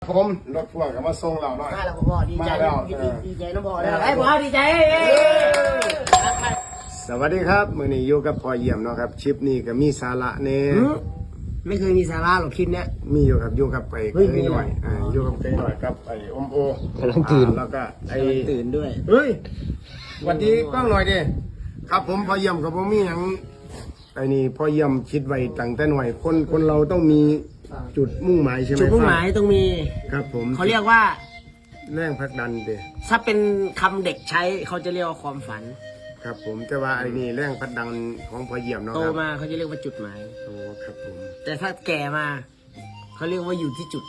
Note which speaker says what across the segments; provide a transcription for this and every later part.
Speaker 1: ผมรถพ่วงก็มาส่งเราหน่อย
Speaker 2: มาแล้วพ่อดีใจดีใจน้องพ่อเลยไอ้พ่อดีใจ
Speaker 1: สวัสดีครับมื้อนี้อยู่กับพ่อเยี่ยมเนาะครับคลิปนี้ก็มีสาระแน่
Speaker 2: ไม่เคยมีสาระหรอกคลิปเนี้ย
Speaker 1: มีอยู่กับไปเคยหน่อยอยู่กับเคยหน่อยกับไอ้อมโอกำลังตื่นแล้วก็ไอ้
Speaker 2: ตื่นด้วย
Speaker 1: เฮ้ยสวัสดีกล้องหน่อยดิครับผมพ่อเยี่ยมกับผมมีหยังไอ้นี่พ่อเยี่ยมคิดไว้ตั้งแต่หน่อยคนเราต้องมีจุดมุ่งหมายใช่ไหม
Speaker 2: จุดมุ่งหมายต้องมี
Speaker 1: ครับผม
Speaker 2: เขาเรียกว่า
Speaker 1: แรงผลักดันเด้
Speaker 2: ถ้าเป็นคำเด็กใช้เขาจะเรียกว่าความฝัน
Speaker 1: ครับผมแต่ว่าไอ้นี่แรงผลักดันของพ่อเยี่ยมเนาะ
Speaker 2: โตมาเขาจะเรียกว่าจุดหมาย
Speaker 1: โอ้ครับผม
Speaker 2: แต่ถ้าแก่มาเขาเรียกว่าอยู่ที่จุด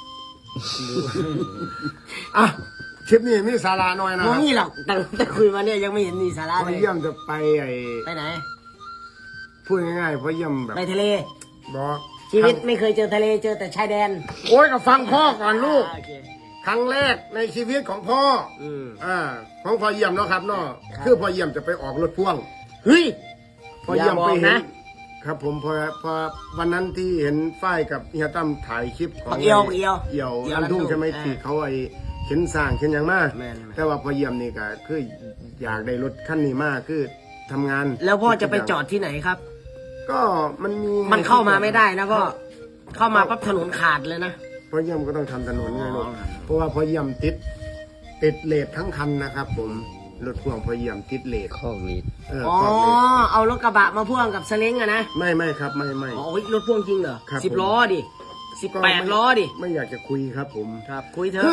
Speaker 1: อ่ะคลิปนี้มีสาระหน่อยนะ
Speaker 2: ไม่มีหรอกแต่คุยมาเนี่ยยังไม่เห็นมีสาระเลย
Speaker 1: พ่อเยี่ยมจะไป
Speaker 2: ไหน
Speaker 1: พูดง่ายๆพ่อเยี่ยมแบบ
Speaker 2: ไปทะเล
Speaker 1: บอก
Speaker 2: ชีวิตไม่เคยเจอทะเลเจอแต่ชายแดน
Speaker 1: โอ้ยก็ฟังพ่อก่อนลูกครั้งแรกในชีวิตของพ่อของพ่อเยี่ยมเนาะครับเนาะคือพ่อเยี่ยมจะไปออกรถพ่วง
Speaker 2: เฮ้ย
Speaker 1: พ่อเยี่ยมไปเห็นครับผมพอวันนั้นที่เห็นฝ้ายกับเฮียตั้มถ่ายคลิปของ
Speaker 2: เอี่
Speaker 1: ยวอันทุ่งใช่ไหมที่เขาเข็นสร้างเข็นอย่างมากแต่ว่าพ่อเยี่ยมนี่ก็คืออยากได้รถคันนี้มากคือทำงาน
Speaker 2: แล้วพ่อจะไปจอดที่ไหนครับ
Speaker 1: ก็มัน
Speaker 2: เข้ามาไม่ได้นะก็เข้ามาปั๊บถนนขาดเลยนะ
Speaker 1: พ่อเยี่ยมก็ต้องทำถนนไงลูกเพราะว่าพ่อเยี่ยมติดเลททั้งคันนะครับผมรถพ่วงพ่อเยี่ยมติดเลท
Speaker 3: ข้อมีด
Speaker 2: เอารถกระบะมาพ่วงกับสเล้งอะนะ
Speaker 1: ไม่ครับไม่
Speaker 2: อ๋อรถพ่วงจริงเหรอ10 ล้อดิ18 ล้อดิ
Speaker 1: ไม่อยากจะคุยครับผม
Speaker 2: ครับคุยเถอะ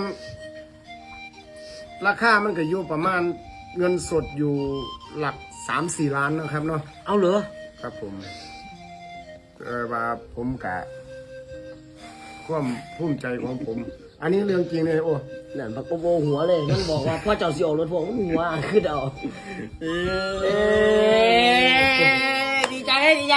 Speaker 1: ราคามันก็อยู่ประมาณเงินสดอยู่หลัก 3-4 ล้านนะครับเนาะ
Speaker 2: เอาเหรอ
Speaker 1: ครับผมว่าผมกะความภูมิใจของผมอันนี้เรื่องจริงเลยโอ้
Speaker 2: นั่นปักโบหัวเลยนั่นบอกว่าพ่อเจ้าสิออกรถพ่วงหัวคือเดาดีใจ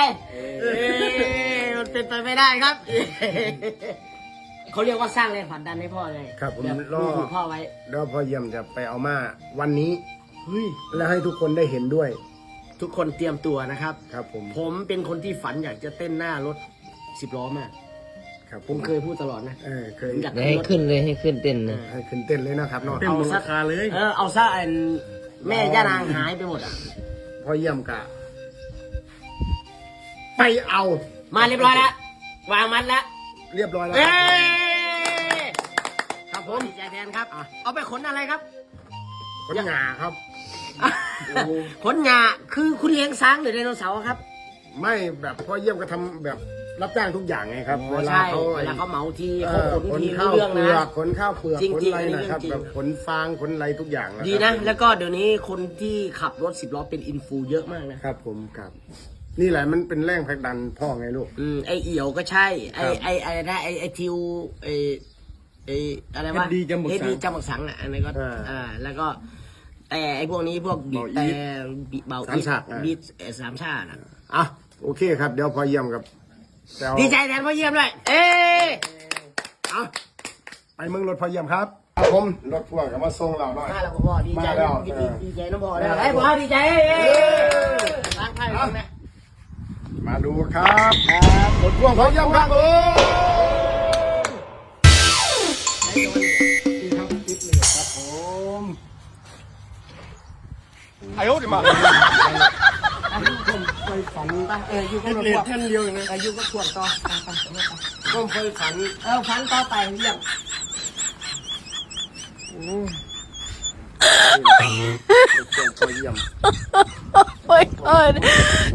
Speaker 2: มันเป็นไปไม่ได้ครับเขาเรียกว่าสร้างแรงผลักดันให้พ่อไง
Speaker 1: ครับผมรอ
Speaker 2: พ่อไว้
Speaker 1: แล้วพ่อเยี่ยมจะไปเอามาวันนี้แล้วให้ทุกคนได้เห็นด้วย
Speaker 2: ทุกคนเตรียมตัวนะครับ
Speaker 1: ครับ
Speaker 2: ผมเป็นคนที่ฝันอยากจะเต้นหน้ารถ10 ล้อมาก
Speaker 1: ครับ
Speaker 2: ผมเคยพูดตลอดนะ
Speaker 1: เคย
Speaker 3: อยากให้ขึ้นเลยให้ขึ้นเต้นนะ
Speaker 1: ให้ขึ้นเต้นเลยนะครับเนาะ
Speaker 2: เอาซะเลยเอาซะแม่ย่านางหายไปหมดอ่ะ
Speaker 1: พอเยี่ยมกะไปเอา
Speaker 2: มาเรียบร้อยแล้ววางมัดแล้ว
Speaker 1: เรียบร้อยแล้ว
Speaker 2: ครับผมดีใจแทนครับเอาไปขนอะไรครับ
Speaker 1: ขนหงาครับ
Speaker 2: ขนหงาคือคุณเลี้ยงช้างหรือไดโนเสาร์ครับ
Speaker 1: ไม่แบบพ่อเยี่ยมก็ทำแบบรับจ้างทุกอย่างไงครับ
Speaker 2: เวลาเขาเหมาทีเขาขนที
Speaker 1: ข้าวเปลือกขนข้าวเปลือกขนอะไรนะครับแบบขนฟางขนอะไรทุกอย่าง
Speaker 2: ดีนะแล้วก็เดี๋ยวนี้คนที่ขับรถ10 ล้อเป็นอินฟูเยอะมากนะครับ
Speaker 1: ผมครับนี่แหละมันเป็นแรงผลักดันพ่อไงลูก
Speaker 2: ไอเอี่ยวก็ใช่ไอนะไอทิวไออะไรวะ
Speaker 1: ดีจำ
Speaker 2: บักสังอ่ะอันนี้ก็แล้วก็แต่ไอพวกนี้พวกบีบแต่เบาบีบ3 ชาติ
Speaker 1: โอเคครับเดี๋ยวพอเยี่ยมกับ
Speaker 2: ดีใจแทนพอเยี่ยมด้วย
Speaker 1: ไปเมืองรถพอเยี่ยมครับผมรถพ่วงก็มาส่งเราหน่อย
Speaker 2: มาแล้วพ่อดีใจน้องพ่อเลยไอ้พ่อดีใจล้างไพ่ล้างนะ
Speaker 1: มาดูครับรถพ่วงพอเยี่ยมครับนี่ครับติดเลยครับผมไอ้โอ้ดิมาเคยฝันอยู่ก็เรียนแค่เดียวเองนะ
Speaker 2: อยู่ก็ขวดต่อ
Speaker 1: ก็เคยฝัน
Speaker 2: ฝันต่อไปเยี่ยม
Speaker 3: โอ้ย